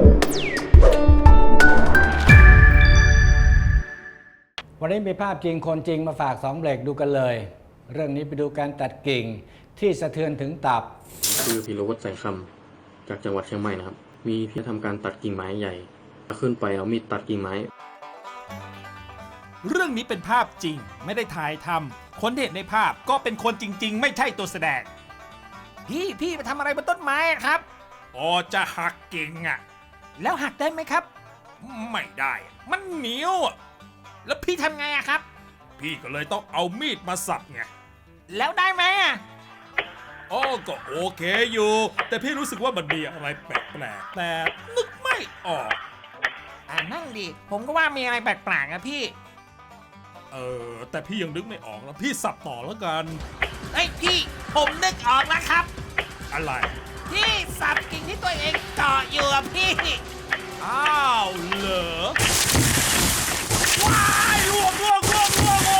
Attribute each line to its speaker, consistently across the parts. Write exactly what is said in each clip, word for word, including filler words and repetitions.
Speaker 1: วันนี้มีภาพจริงคนจริงมาฝากสองเบรกดูกันเลยเรื่องนี้ไปดูการตัดกิ่งที่สะเทือนถึงตับ
Speaker 2: คือพีรวัตรแสงคำจากจังหวัดเชียงใหม่นะครับมีพี่ทำการตัดกิ่งไม้ใหญ่ขึ้นไปเอามีดตัดกิ่งไม้
Speaker 3: เรื่องนี้เป็นภาพจริงไม่ได้ถ่ายทำคนที่เห็นในภาพก็เป็นคนจริงๆไม่ใช่ตัวแสดงพี่พี่ไปทำอะไรบนต้นไม้ครับอ๋อจะหักกิ่งอ่ะแล้วหักได้ไหมครับไม่ได้มันเหนียวแล้วพี่ทำไงอะครับพี่ก็เลยต้องเอามีดมาสับไงแล้วได้ไหมอะอ๋อก็โอเคอยู่แต่พี่รู้สึกว่ามันมีอะไรแปลกๆแต่นึกไม่ออกอ่านั่งดิผมก็ว่ามีอะไรแปลกๆอะพี่เออแต่พี่ยังนึกไม่ออกแล้วพี่สับต่อแล้วกันเฮ้ยพี่ผมนึกออกแล้วครับอะไรพี่สับกิ่งที่ตัวเองเกาะอยู่อะพี่อ้าวเหรอว้ายล่วงล่วงล่วงล่วง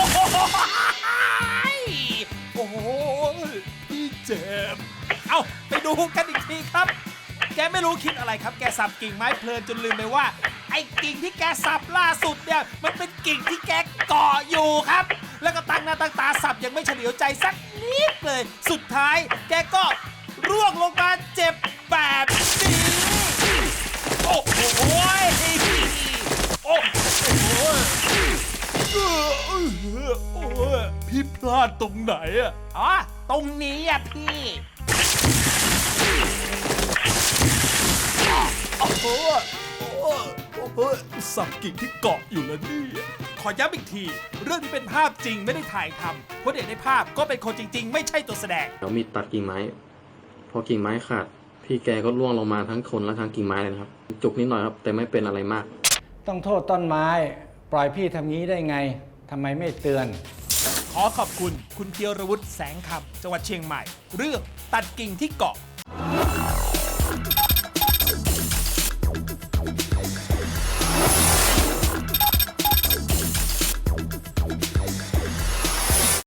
Speaker 3: โอ้โหพี่เจ็บเอาไปดูกันอีกทีครับแกไม่รู้คิดอะไรครับแกสับกิ่งไม้เพลินจนลืมไปว่าไอ้กิ่งที่แกสับล่าสุดเนี่ยมันเป็นกิ่งที่แกเกาะอยู่ครับแล้วก็ตั้งหน้าตั้งตาสับยังไม่เฉลียวใจสักนิดเลยสุดท้ายแกก็ร่วงลงมาเจ็บแบบนี้โอ้โหโอ้โหพี่พลาดตรงไหนอ่ะอ๋อตรงนี้อ่ะพี่โอ้โหโอ้โหสับกิ่งที่เกาะอยู่แล้วนี่ขอย้ำอีกทีเรื่องนี้เป็นภาพจริงไม่ได้ถ่ายทำคนเห็นในภาพก็เป็นคนจริงๆไม่ใช่ตัวแสดง
Speaker 2: เอามีดตัดกิ่งไม้พอกิ่งไม้ขาดพี่แกก็ร่วงลงมาทั้งคนและทั้งกิ่งไม้เลยนะครับจุกนิดหน่อยครับแต่ไม่เป็นอะไรมาก
Speaker 1: ต้องโทษต้นไม้ปล่อยพี่ทำงี้ได้ไงทำไมไม่เตือน
Speaker 3: ขอขอบคุณคุณเพียรวุฒิแสงคำจังหวัดเชียงใหม่เรื่องตัดกิ่งที่เกาะ